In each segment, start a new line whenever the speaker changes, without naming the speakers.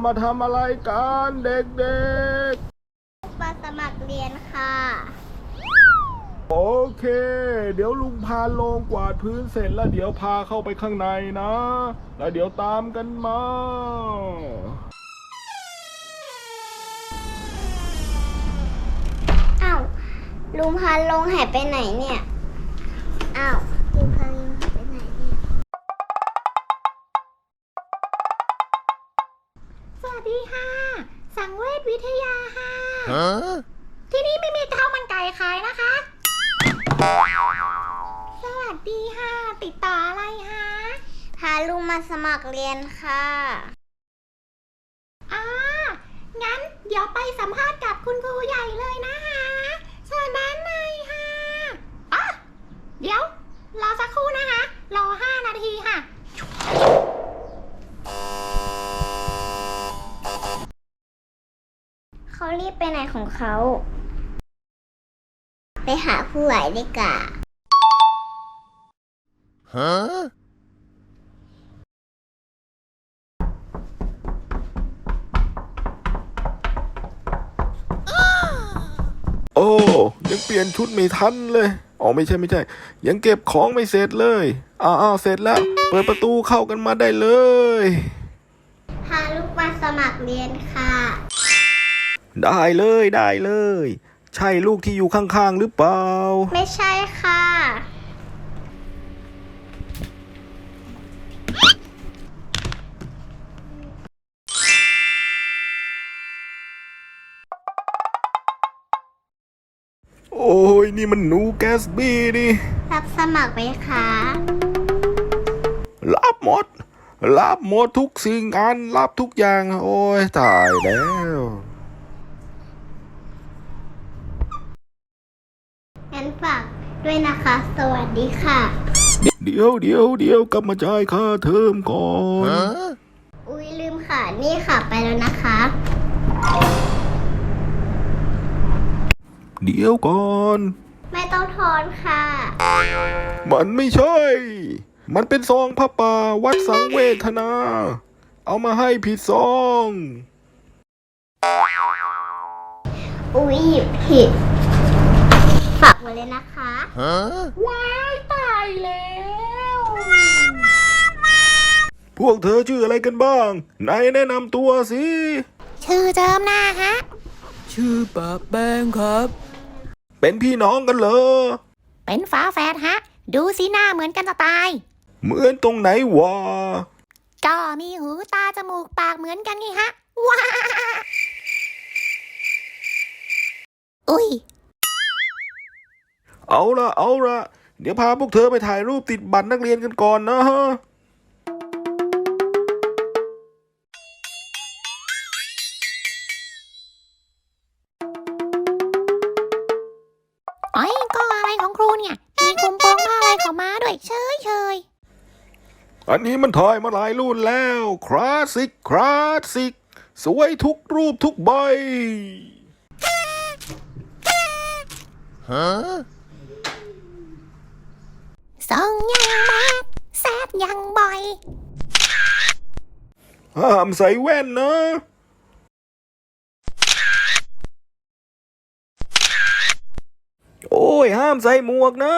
มาทำอะไรกันเด็ก
มาสมัครเรียนค่ะ
ๆโอเคเดี๋ยวลุงพาลงกวาดพื้นเสร็จแล้วเดี๋ยวพาเข้าไปข้างในนะแล้วเดี๋ยวตามกันมา
อ้าวลุงพาลงหายไปไหนเนี่ยอ้าวลุงพาลงหายไปไหนเนี่ย
สวัสดีค่ะสังเวชวิทยาค่ะที่นี่ไม่มีข้าวมันไก่ขายนะคะสวัสดีค่ะติดต่ออะไรคะ
พาลุงมาสมัครเรียนค่ะ
งั้นเดี๋ยวไปสัมภาษณ์กับคุณครูใหญ่เลยนะคะเชิญด้านในค่ะเดี๋ยวรอสักครู่นะคะรอ5 นาทีค่ะ
เขารีบไปไหนของเขาไปหาผู้ใหญ่ดีกว่า
โอ้ยังเปลี่ยนชุดไม่ทันเลยอ๋อไม่ใช่ยังเก็บของไม่เสร็จเลยอ้าวเสร็จแล้วเปิดประตูเข้ากันมาได้เลย
พาลูกมาสมัครเรียนค่ะ
ได้เลยใช่ลูกที่อยู่ข้างๆหรือเปล่า
ไม่ใช่ค่ะ
โอ้ยนี่มันหนูแกสบี้นี่
รับสมัครไหมคะ
รับหมดทุกสิ่งอันรับทุกอย่างโอ้ยตายแล้ว
งั้นฝากด้วยนะคะสวัสดีค่ะ
เดี๋ยวกลับมาจ่ายค่าเทอมก่อน
อุ๊ยลืมค่ะนี่ค่ะไปแล้วนะคะ
เดี๋ยวก่อน
ไม่ต้องทอนค่ะ
มันไม่ใช่มันเป็นซองผ้าป่าวัดสังเวทนาเอามาให้ผิดซอง
อุ๊ยหยิบผิดฝากไว้เลยนะคะ
ว้ายตายแล้ว
พวกเธอชื่ออะไรกันบ้างไหนแนะนำตัวสิ
ชื่อเจิมหน้าฮะ
ชื่อปะแป้งครับ
เป็นพี่น้องกันเหรอ
เป็นฝาแฝดฮะดูสิหน้าเหมือนกันจะตาย
เหมือนตรงไหนวะ
ก็มีหูตาจมูกปากเหมือนกันไงฮะว้าอุ้ย
เอาละเดี๋ยวพาพวกเธอไปถ่ายรูปติดบัตรนักเรียนกันก่อนนะฮะ
ไอ้ก็อะไรของครูเนี่ยมีคุมโปงผ้าอะไรของม้าด้วยเฉย
อันนี้มันถ่ายมาหลายรุ่นแล้วคลาสสิกสวยทุกรูปทุกใบ
ส่งยังมากแซดยังบ่อย
ห้ามใส่แว่นนะโอ้ยห้ามใส่หมวกนะ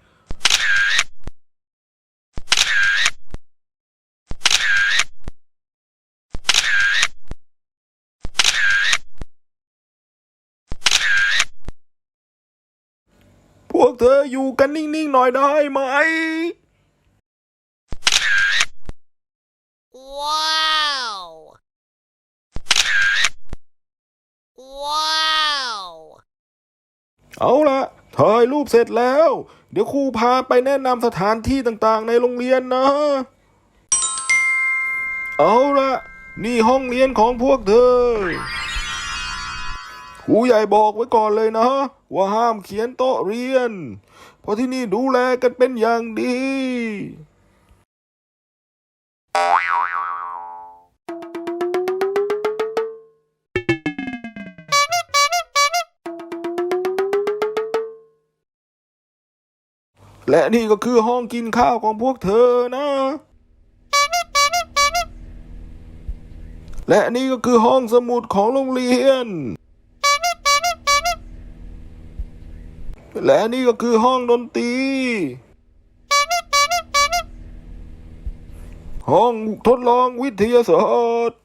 พวกเธออยู่กันนิ่งๆหน่อยได้ไหม
ว้าว
เอาละถ่ายรูปเสร็จแล้วเดี๋ยวครูพาไปแนะนำสถานที่ต่างๆในโรงเรียนนะเอาละนี่ห้องเรียนของพวกเธอครูใหญ่บอกไว้ก่อนเลยนะว่าห้ามเขียนโต๊ะเรียนเพราะที่นี่ดูแลกันเป็นอย่างดีและนี่ก็คือห้องกินข้าวของพวกเธอนะและนี่ก็คือห้องสมุดของโรงเรียน และนี่ก็คือห้องดนตรี ห้องทดลองวิทยาศาสตร์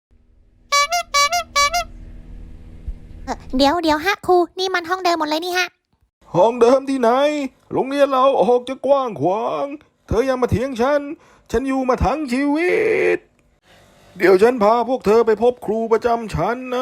เดี๋ยวฮะครูนี่มันห้องเดิมหมดเลยนี่ฮะ
ห้องเดิมที่ไหน โรงเรียนเราออกจะกว้างขวาง เธอยังมาเถียงฉันอยู่มาทั้งชีวิต เดี๋ยวฉันพาพวกเธอไปพบครูประจำชั้นนะ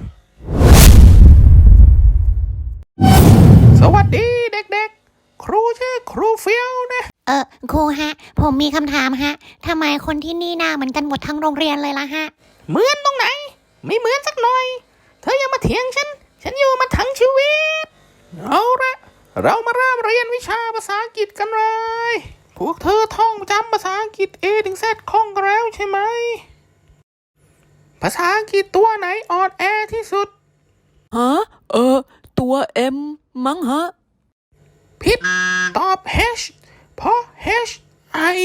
สวัสดีเด็กๆ ครูชื่อครูเฟียวนะ
ครูฮะผมมีคำถามฮะทำไมคนที่นี่หน้าเหมือนกันหมดทั้งโรงเรียนเลยล่ะฮะ
เหมือนตรงไหน ไม่เหมือนสักหน่อย เธอยังมาเถียงฉันอยู่มาทั้งชีวิต เอาละเรามาเริ่มเรียนวิชาภาษาอังกฤษกันเลย พวกเธอท่องจำภาษาอังกฤษ A ถึง Z คล่องกันแล้วใช่ไหม ภาษาอังกฤษตัวไหนอ่อนแอที่สุด
ฮะตัว M มั้งฮะ
ผิด ตอบ H เพราะ H I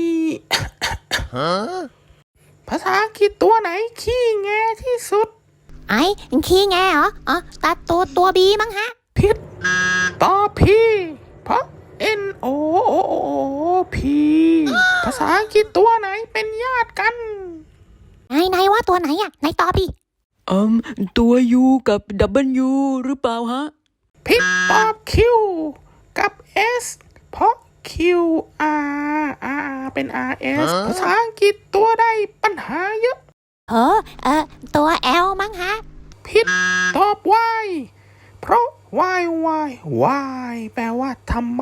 ภาษาอังกฤษตัวไหนขี้แงที่สุด
ไอ้ขี้แงเหรอตัดตัวบีมั้งฮะ
ผิด ตอบ P เพราะ N O P ภาษาอังกฤษตัวไหนเป็นญาติกัน
ไหนว่าตัวไหนอ่ะไหนตอบดิ
ตัว U กับ W หรือเปล่าฮะ
ผิด ตอบ Q กับ S เพราะ Q R เป็น R S ภาษาอังกฤษตัวใดปัญหาเยอะ
ตัว L มั้งฮะ
ผิด ตอบ Y เพราะ Y แปลว่าทำไม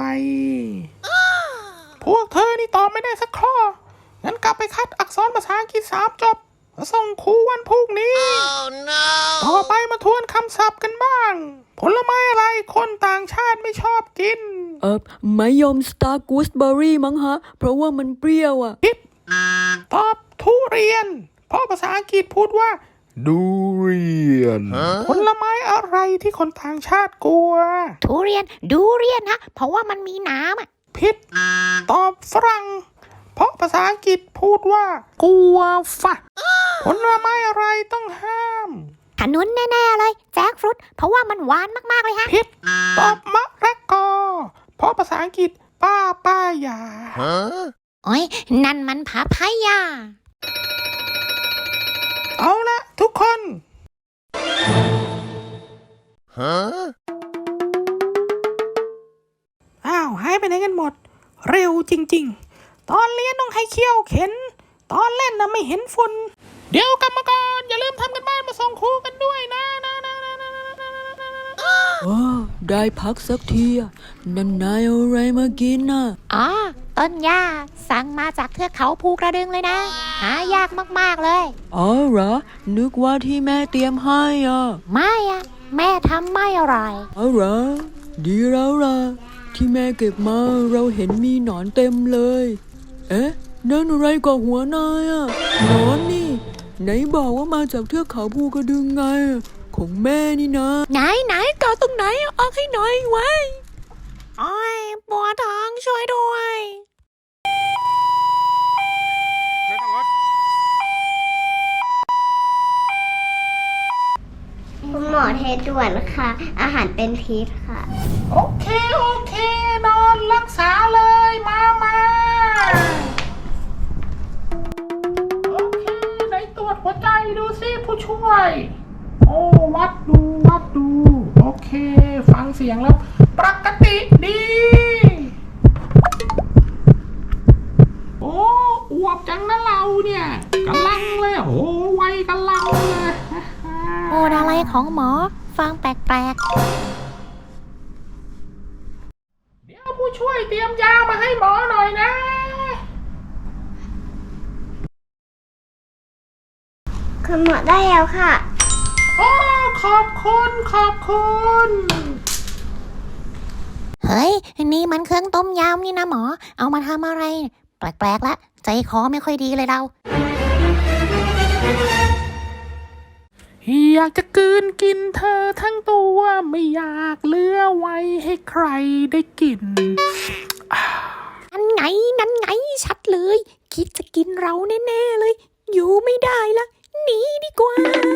พวกเธอนี่ตอบไม่ได้สักข้อ งั้นกลับไปคัดอักษรภาษาอังกฤษ3จบมาส่งครูวันพรุ่งนี้ ต่อไปมาทวนคำศัพท์กันบ้าง ผลไม้อะไรคนต่างชาติไม่ชอบกิน
มะยม Star Gooseberry มั้งฮะ เพราะว่ามันเปรี้ยวอ่ะ
ผิด ตอบทุเรียน เพราะภาษาอังกฤษพูดว่า
ดูเรียน
ผลไม้อะไรที่คนต่างชาติกลัว
ทุเรียนดูเรียนฮะเพราะว่ามันมีน้ำอ่ะ
ผิด ตอบฝรั่ง เพราะภาษาอังกฤษพูดว่ากัวฟะผลไม้อะไรต้องห้าม
ขนุนแน่ๆเลยแจ็คฟรุตเพราะว่ามันหวานมากๆเลยฮะ
ผิด ตอบมะละกอ เพราะภาษาอังกฤษป้ายา
โอ้ยนั่นมันผาพายา
เอาละทุกคนอ้าวหายไปไหนกันหมด เร็วจริงๆ ตอนเรียนต้องให้เขี้ยวเข็น ตอนเล่นน่ะไม่เห็นฝุ่น เดี๋ยวกรรมกรอย่าลืมทำกันบ้านมาส่งครูกันด้วยนะ
ได้พักสักทีอะนั่นนายเอาอะไรมากินน่ะ
ต้นหญ้าสั่งมาจากเทือกเขาภูกระดึงเลยนะ หายากมากๆเลย
อ๋อเหรอ นึกว่าที่แม่เตรียมให้อ่ะ
ไม่อะแม่ทำไม่อร่อย
อ๋อเหรอ ดีแล้วล่ะ ที่แม่เก็บมาเราเห็นมีหนอนเต็มเลย เอ๊ะ นั่นอะไรกับหัวนายอ่ะหนอนนี่ ไหนบอกว่ามาจากเทือกเขาภูกระดึงไง ของแม่นี่นะ
ไหนเกาตรงไหนออกให้หน่อยไว้โอ้ยปวดท้องช่วยด้วย
คุณหมอเทด่วนค่ะ อาหารเป็นพิษค่ะ
โอเค นอนรักษาเลยมาโอเคไหนตรวจหัวใจดูสิผู้ช่วย โอ้วัดดู โอเค ฟังเสียงแล้ว ปกติดี โอ้อวบจังนะเราเนี่ยกำลังเลยโอ้ไวกำลังเลย
พูดอะไรของหมอฟังแปลก
เดี๋ยวผู้ช่วยเตรียมยามาให้หมอหน่อยนะ
คุณหมอได้แล้วค่ะ
โอ้ขอบคุณ
ๆเฮ้ยนี่มันเครื่องต้มยำนี่นะหมอเอามาทำอะไร แปลกๆละใจคอไม่ค่อยดีเลยเรา
อยากจะกลืนกินเธอทั้งตัวไม่อยากเหลือไว้ให้ใครได้กิน
นั่นไงชัดเลยคิดจะกินเราแน่ๆเลย อยู่ไม่ได้ละ
หนีดีกว่า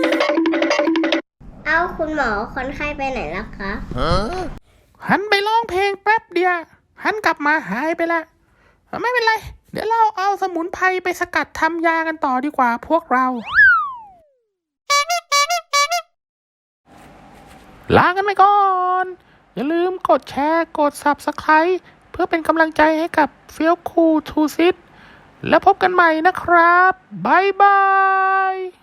เอาคุณหมอคนไข้ไปไหนแล้วคะ
หันไปร้องเพลงแป๊บเดียวหันกลับมาหายไปละไม่เป็นไร เดี๋ยวเราเอาสมุนไพรไปสกัดทำยากันต่อดีกว่าพวกเรา ลากันไปก่อน อย่าลืมกดแชร์กด Subscribe เพื่อเป็นกำลังใจให้กับเฟี้ยวคูทูซิตแล้วพบกันใหม่นะครับ บ๊ายบาย